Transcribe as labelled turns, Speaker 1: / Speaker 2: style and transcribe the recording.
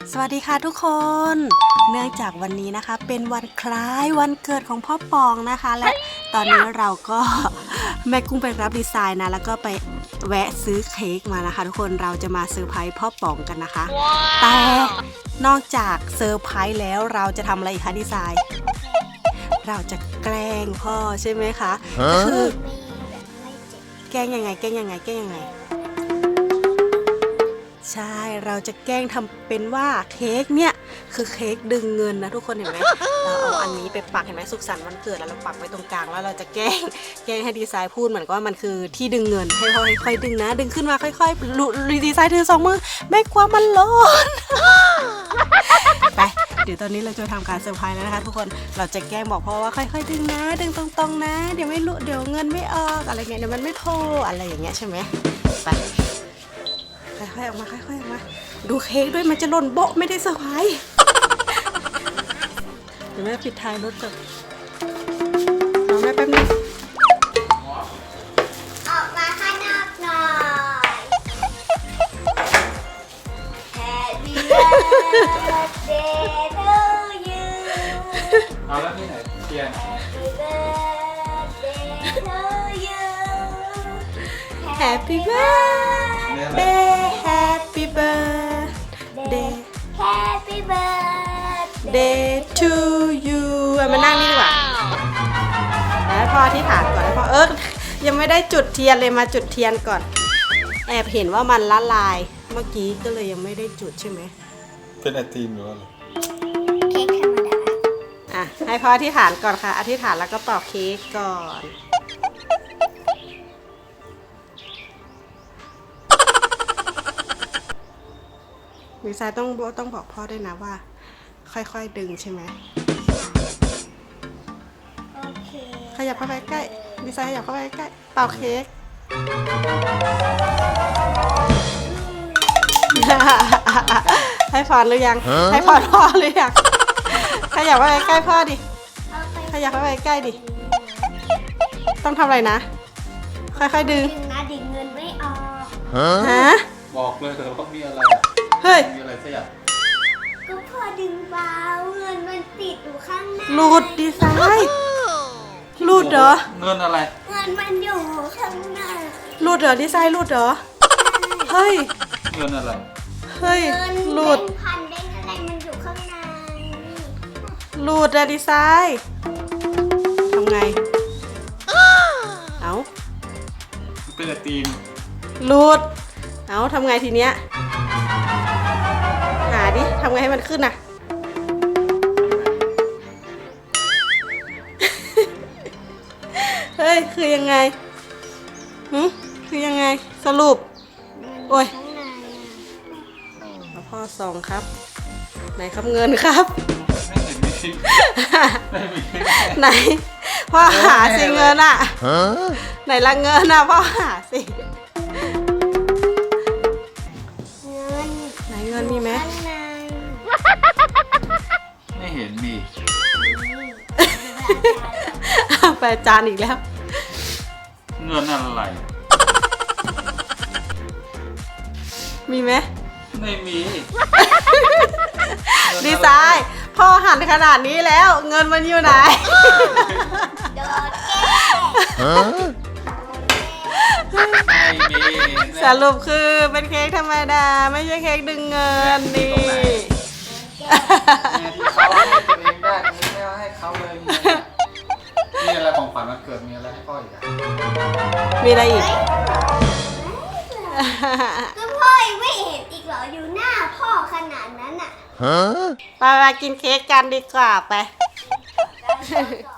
Speaker 1: สวัสดีค่ะทุกคน เนื่องจากวันนี้นะคะเป็นวันคล้ายวันเกิดของพ่อปองนะคะและตอนนี้เราก็แม่กุ้งไปรับดีไซน์นะแล้วก็ไปแวะซื้อเค้กมานะคะทุกคนเราจะมาเซอร์ไพรส์พ่อปองกันนะคะ แต่นอกจากเซอร์ไพรส์แล้วเราจะทำอะไรอีกคะดีไซน์เราจะแกล้งพ่อใช่ไหมคะคือแกล้งยังไงใช่เราจะแกล้งทำเป็นว่าเค้กเนี่ยคือเค้กดึงเงินนะทุกคนเห็นไหมเราเอาอันนี้ไปปักเห็นไหมสุขสันต์วันเกิดแล้วเราปักไว้ตรงกลางแล้วเราจะแกล้งให้ดีไซน์พูดเหมือนกับว่ามันคือที่ดึงเงินให้พ่อค่อยๆดึงนะดึงขึ้นมาค่อยๆดีไซน์ถือ2 มือไม่กลัวมันร้อนไปเดี๋ยวตอนนี้เราจะทำการเซอร์ไพรส์แล้วนะคะทุกคนเราจะแกล้งบอกพ่อว่าค่อยๆดึงนะดึงตรงๆนะเดี๋ยวไม่รู้เดี๋ยวเงินไม่ออกอะไรเงี้ยเดี๋ยวมันไม่พออะไรอย่างเงี้ยใช่ไหมไปค่อยๆออกมาดูเค้กด้วยมันจะหล่นโบ๊ะไม่ได้เซอร์ไพรส์เดี๋ยวแม่ปิดท้ายรถก่อนรอแม่แป๊บนึง
Speaker 2: ออกมาข้างนอกหน่อย Happy birthday to you
Speaker 3: เอาแล้วที่ไหนเทียน
Speaker 2: Happy birthday to you
Speaker 1: Happy birthday Happy birthday
Speaker 2: Happy birthday
Speaker 1: Day to you มานั่งนี่ดีกว่าแล้วพ่อที่ฐานก่อนแล้วพ่อยังไม่ได้จุดเทียนเลยมาจุดเทียนก่อนแอบเห็นว่ามันละลายเมื่อกี้ก็เลยยังไม่ได้จุดใช่ไหม
Speaker 3: เป็นไอติมหรือว่าอะไร
Speaker 2: เค้กธรรมดา
Speaker 1: อ่ะให้พ่ออธิษฐานก่อนค่ะอธิษฐานแล้วก็เป่าเค้กก่อนดีไซน์ต้องบอกพ่อด้วยนะว่าค่อยๆดึงใช่ไหม
Speaker 2: โอเค
Speaker 1: ขยับเข้าไปใกล้ดีไซน์ขยับเข้าไปใกล้เป่าเค้ก ให้พรหรือยังให้พรพ่อหรือยังขยับเข้าไปใกล้พ่อดิขยับเข้าไปใกล้ดิต้องทำอะไรนะค่อยๆดึง
Speaker 2: นะดึงเงินไม่ออก
Speaker 1: ฮะ
Speaker 3: บอกเลยแต่ว่ามีอะไร
Speaker 1: เฮ้ย
Speaker 3: มีอะไรสักอย่าง
Speaker 2: ก็พอดึงเบาเงินมันติดอยู่ข้างใน
Speaker 1: หลุดดีไซน์หลุดเหรอ
Speaker 3: เงินอะไร
Speaker 2: เงินมันอยู่ข้างใน
Speaker 1: หลุดเหรอดีไซน์หลุดเหรอเฮ้ย
Speaker 3: เงินอะไร
Speaker 1: เฮ้ยหลุด
Speaker 2: พันได้อะไรมันอยู่ข้างใน
Speaker 1: หลุดอะดีไซน์ทำไงเอา
Speaker 3: เป็นไอติม
Speaker 1: หลุดเอาทำไงทีเนี้ยหาดิทำไงให้มันขึ้นน่ะ เฮ้ยคือยังไงคือยังไงสรุปโอ้ยพ่อส่องครับไหนครับเงินครับ
Speaker 3: ไม่มี
Speaker 1: ไหนพ่อหาสิเงินอ่ะไหนละเงินอ่ะพ่อหาสิไหนเงินมีไหม
Speaker 3: ไม่เห็นมี
Speaker 1: ไปจานอีกแล้ว
Speaker 3: เงินอะไร
Speaker 1: มีไหม
Speaker 3: ไม่มี
Speaker 1: ดีไซน์พ่อหันขนาดนี้แล้วเงินมันอยู่ไหน
Speaker 3: ไม่มี
Speaker 1: สรุปคือเป็นเค้กธรรมดาไม่ใช่เค้กดึงเงินนี่
Speaker 3: ที่เขาให้ตัวเองได้ตรงนี้ไม่เอาให้เขาเลยมีอะไรของขวัญวันเกิดมีอะไรให้พ่ออีกอ่ะ
Speaker 1: มีอะไรอีก
Speaker 2: ก็พ่อไม่เห็นอีกเหรออยู่หน้าพ่อขนาดนั้นอ่ะ
Speaker 1: ไปกินเค้กกันดีกว่าไป